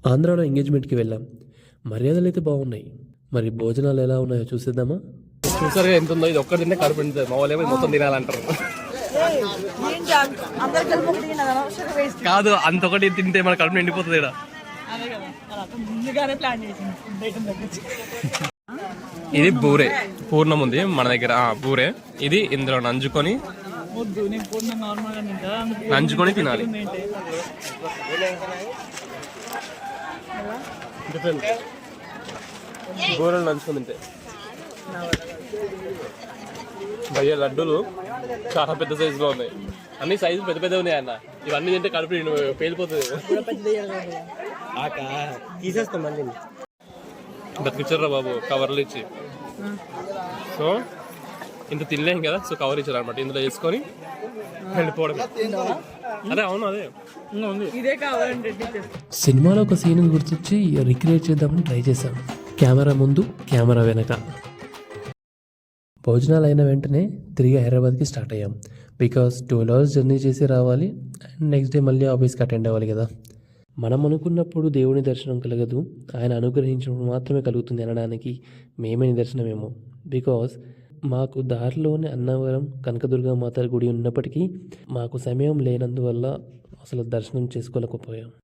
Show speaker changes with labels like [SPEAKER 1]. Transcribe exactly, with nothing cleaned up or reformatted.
[SPEAKER 1] ఆంధ్రాలో ఎంగేజ్మెంట్కి వెళ్ళాం. మర్యాదలు అయితే బాగున్నాయి. మరి భోజనాలు ఎలా ఉన్నాయో చూసేద్దామా?
[SPEAKER 2] చూసారు ఎంత ఉందో, ఇది ఒక్కటి తింటే కడుపు నిండుతుంది. మా వాళ్ళు ఏమో మొత్తం తినాలంటారు. కాదు, అంత ఒకటి తింటే మన కడుపు నిండిపోతుంది. ఇక్కడ ఇది బూరే పూర్ణం ఉంది మన దగ్గర. బూరే ఇది ఇందులో నంజుకొని నంజుకొని తినాలి. బూరెలు నంచుకొని తింటే భయ్య లడ్డూలు చాలా పెద్ద సైజులో ఉన్నాయి. అన్ని సైజు పెద్ద పెద్ద ఉన్నాయి అన్న. ఇవన్నీ తింటే కడుపు పేలిపోతుంది. బతికిచ్చారా బాబు కవర్లు ఇచ్చి. సో ఇంత తినలేం కదా, సో కవర్ ఇచ్చారు అనమాట. ఇందులో వేసుకొని వెళ్ళిపోవడం. అదే అవును, అదే
[SPEAKER 1] సినిమాలో ఒక సీన్ గుర్తొచ్చి రిక్రియేట్ చేద్దామని ట్రై చేశాం. కెమెరా ముందు, కెమెరా వెనక. భోజనాలు అయిన వెంటనే తిరిగి హైదరాబాద్కి స్టార్ట్ అయ్యాం. బికాస్ ట్వెల్వ్ అవర్స్ జర్నీ చేసి రావాలి అండ్ నెక్స్ట్ డే మళ్ళీ ఆఫీస్కి అటెండ్ అవ్వాలి కదా. మనం అనుకున్నప్పుడు దేవుని దర్శనం కలగదు, ఆయన అనుగ్రహించినప్పుడు మాత్రమే కలుగుతుంది అనడానికి మేమే నిదర్శనమేమో. బికాస్ మాకు దారిలోనే అన్నవరం కనకదుర్గ మాత గుడి ఉన్నప్పటికీ మాకు సమయం లేనందువల్ల అసలు దర్శనం చేసుకోలేకపోయాం.